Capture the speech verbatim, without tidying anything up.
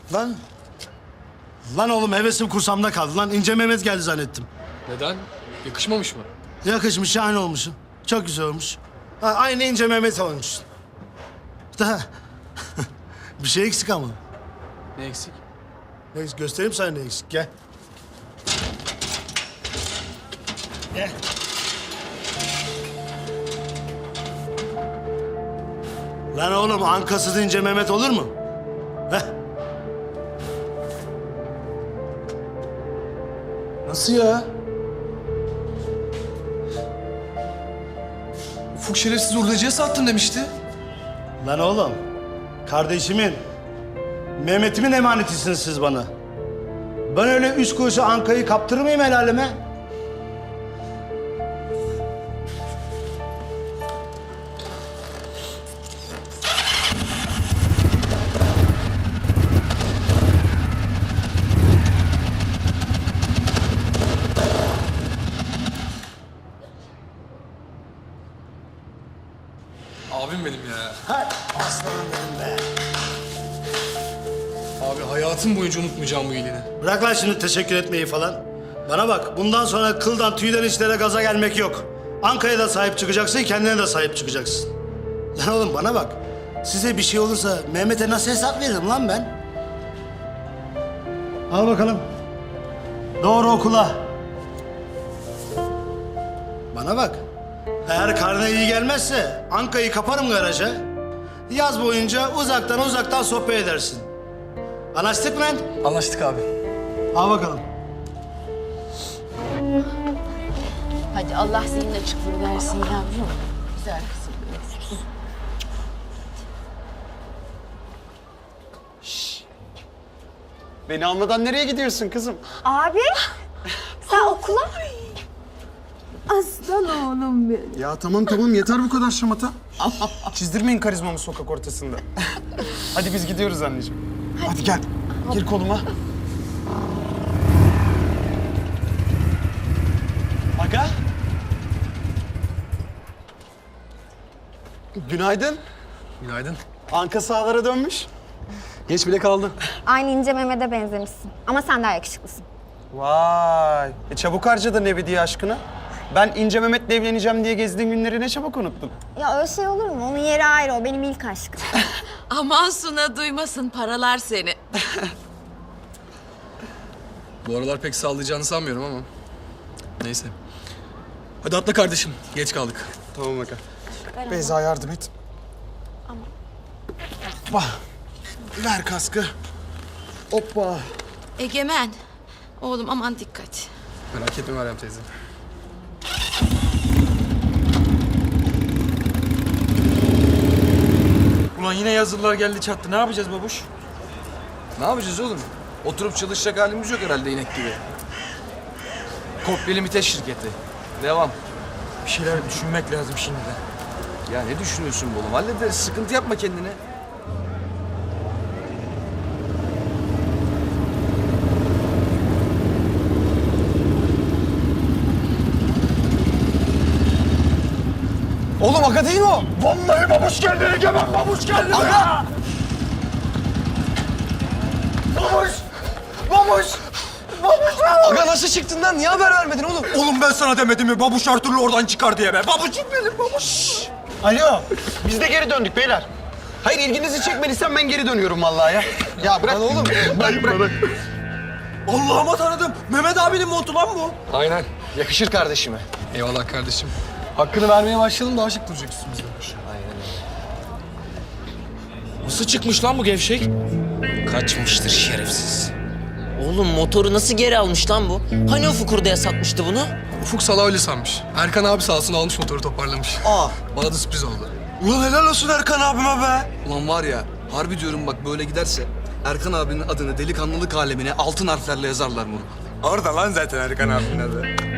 Lan. Lan oğlum hevesim kursamda kaldı lan. İnce Mehmet geldi zannettim. Neden? Yakışmamış mı? Yakışmış, şahane olmuşsun. Çok güzel olmuş. Ha, aynı İnce Mehmet olmuşsun. Da bir şey eksik ama. Ne eksik? Ne eksik? Göstereyim sana ne eksik. Gel. Gel. Lan oğlum ankasız İnce Mehmet olur mu? Heh. Nasıl ya? Ufuk şerefsiz hurdacıya sattın demişti. Lan oğlum, kardeşimin, Mehmet'imin emanetisiniz siz bana. Ben öyle üç kuruşa Anka'yı kaptırır mıyım el aleme? Abim benim ya. Hay aslanım benim be. Abi hayatım boyunca unutmayacağım bu iyiliğini. Bırak lan şimdi teşekkür etmeyi falan. Bana bak, bundan sonra kıldan tüyden işlere gaza gelmek yok. Anka'ya da sahip çıkacaksın, kendine de sahip çıkacaksın. Lan oğlum bana bak, size bir şey olursa Mehmet'e nasıl hesap veririm lan ben? Al bakalım. Doğru okula. Bana bak, eğer karne iyi gelmezse Anka'yı kaparım garaja. Yaz boyunca uzaktan uzaktan sohbet edersin. Anlaştık mı lan? Anlaştık abi. Al bakalım. Hadi Allah senin açıklığı versin yavrum. Güzel kızım. Beni almadan nereye gidiyorsun kızım? Abi, sen okula mı? Aslan oğlum benim. Ya tamam tamam yeter bu kadar şamata. Çizdirmeyin karizmamı sokak ortasında. Hadi biz gidiyoruz anneciğim. Hadi, gel. Gir koluma. Aga. Günaydın. Günaydın. Anka sahalara dönmüş. Geç bile kaldı. Aynı İnce Mehmet'e benzemişsin. Ama sen daha yakışıklısın. Vay. E çabuk harcadın ebedi aşkını. Ben İnce Mehmet'le evleneceğim diye gezdiğim günleri ne çabuk unuttun. Ya öyle şey olur mu? Onun yeri ayrı, o benim ilk aşkım. Aman Suna duymasın paralar seni. Bu aralar pek sağlayacağını sanmıyorum ama. Neyse. Hadi atla kardeşim. Geç kaldık. Tamam aga. Beyza yardım et. Hoppa. Ver kaskı. Hoppa. Egemen. Oğlum aman dikkat. Merak etme Meryem teyze. Ulan yine yazılılar geldi çattı. Ne yapacağız babuş? Ne yapacağız oğlum? Oturup çalışacak halimiz yok herhalde inek gibi. Kopya limites şirketi. Devam. Bir şeyler düşünmek lazım şimdiden. Ya ne düşünüyorsun bu oğlum? Hallederiz. Sıkıntı yapma kendine. Oğlum aga değil mi o? Vallahi babuş geldi Egemen, babuş geldi. Aga! Babuş! Babuş! Babuş! Aga nasıl çıktın lan? Niye haber vermedin oğlum? Oğlum ben sana demedim mi babuş her türlü oradan çıkar diye be. Babuşum benim babuş. Alo, biz de geri döndük beyler. Hayır ilginizi çekmediysem ben geri dönüyorum vallahi ya. Ya bırak oğlum. Bırak bırak. Allah'ıma tanıdım. Mehmet abinin montu lan bu. Aynen. Yakışır kardeşime. Eyvallah kardeşim. Hakkını vermeye başlayalım daha şık duracak üstümüzde. Nasıl çıkmış lan bu gevşek? Kaçmıştır şerefsiz. Oğlum motoru nasıl geri almış lan bu? Hani Ufuk hurdaya satmıştı bunu? Ufuk Sala öyle sanmış. Erkan abi sağ olsun almış motoru toparlamış. Aa. Bana da sürpriz oldu. Ulan helal olsun Erkan abime be. Ulan var ya harbi diyorum bak böyle giderse Erkan abinin adını delikanlılık alemine altın harflerle yazarlar bunu. Orada lan zaten Erkan abinin adı.